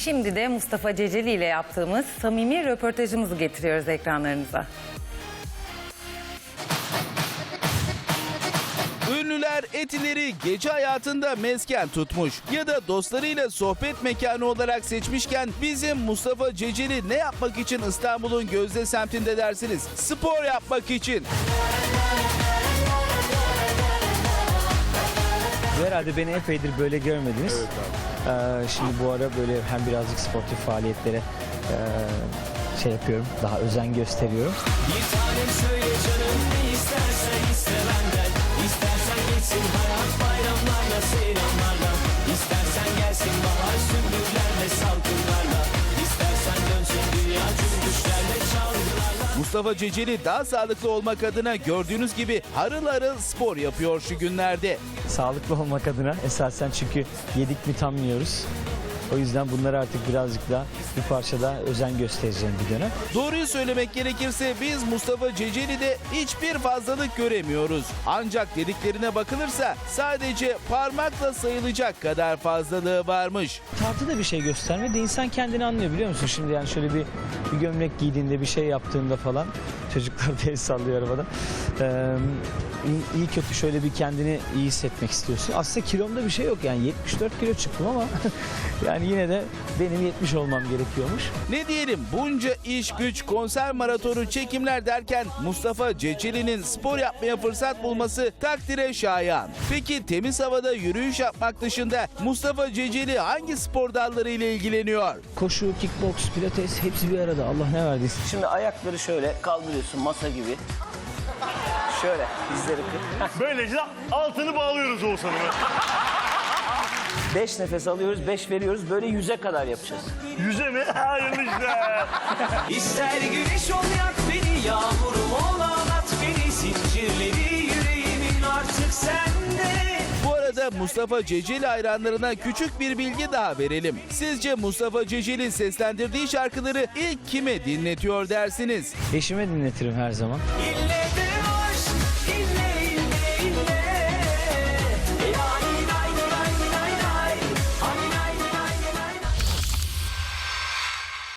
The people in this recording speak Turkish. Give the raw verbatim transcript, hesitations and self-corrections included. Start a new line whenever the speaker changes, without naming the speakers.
Şimdi de Mustafa Ceceli ile yaptığımız samimi röportajımızı getiriyoruz ekranlarınıza.
Ünlüler Etiler'i gece hayatında mesken tutmuş ya da dostlarıyla sohbet mekanı olarak seçmişken bizim Mustafa Ceceli ne yapmak için İstanbul'un gözde semtinde dersiniz? Spor yapmak için.
Herhalde beni epeydir böyle görmediniz.
Evet abi.
Ee, şimdi bu ara böyle hem birazcık sportif faaliyetlere e, şey yapıyorum, daha özen gösteriyorum.
Bir tanem söyle canım ne istersen iste benden. İstersen geçsin hayat bayramlarla seyranlarla. İstersen gelsin bahar sümbüllerle salkımlarla. İstersen dönsün dünya cümbüşlerle çalgılarla.
Mustafa Ceceli daha sağlıklı olmak adına gördüğünüz gibi harıl harıl spor yapıyor şu günlerde.
Sağlıklı olmak adına esasen, çünkü yedik mi tam yiyoruz. O yüzden bunları artık birazcık daha bir parça daha özen göstereceğim bir dönem.
Doğruyu söylemek gerekirse biz Mustafa Ceceli'de hiçbir fazlalık göremiyoruz. Ancak dediklerine bakılırsa sadece parmakla sayılacak kadar fazlalığı varmış.
Tartıda bir şey göstermedi. İnsan kendini anlıyor, biliyor musun? Şimdi yani şöyle bir, bir gömlek giydiğinde, bir şey yaptığında falan, çocuklar da el sallıyor arabada. Ee, iyi, iyi kötü şöyle bir kendini iyi hissetmek istiyorsun. Aslında kilomda bir şey yok, yani yetmiş dört kilo çıktım ama yani yine de benim yetmiş olmam gerekiyormuş.
Ne diyelim, bunca iş güç, konser maratonu, çekimler derken Mustafa Ceceli'nin spor yapmaya fırsat bulması takdire şayan. Peki temiz havada yürüyüş yapmak dışında Mustafa Ceceli hangi spor dalları ile ilgileniyor?
Koşu, kickbox, pilates hepsi bir arada, Allah ne verdiyse.
Şimdi ayakları şöyle kaldırıyorsun masa gibi. Şöyle dizleri kır.
Böylece altını bağlıyoruz Oğuzhan'ı.
Beş nefes alıyoruz, beş veriyoruz. Böyle yüze kadar yapacağız.
Yüze mi? Hayırlı işler.
İster güneş ol yak beni, yağmurum ol ağlat beni. Zincirleri yüreğimin artık sende.
Bu arada Mustafa Ceceli hayranlarına küçük bir bilgi daha verelim. Sizce Mustafa Ceceli seslendirdiği şarkıları ilk kime dinletiyor dersiniz?
Eşime dinletirim her zaman.
İlle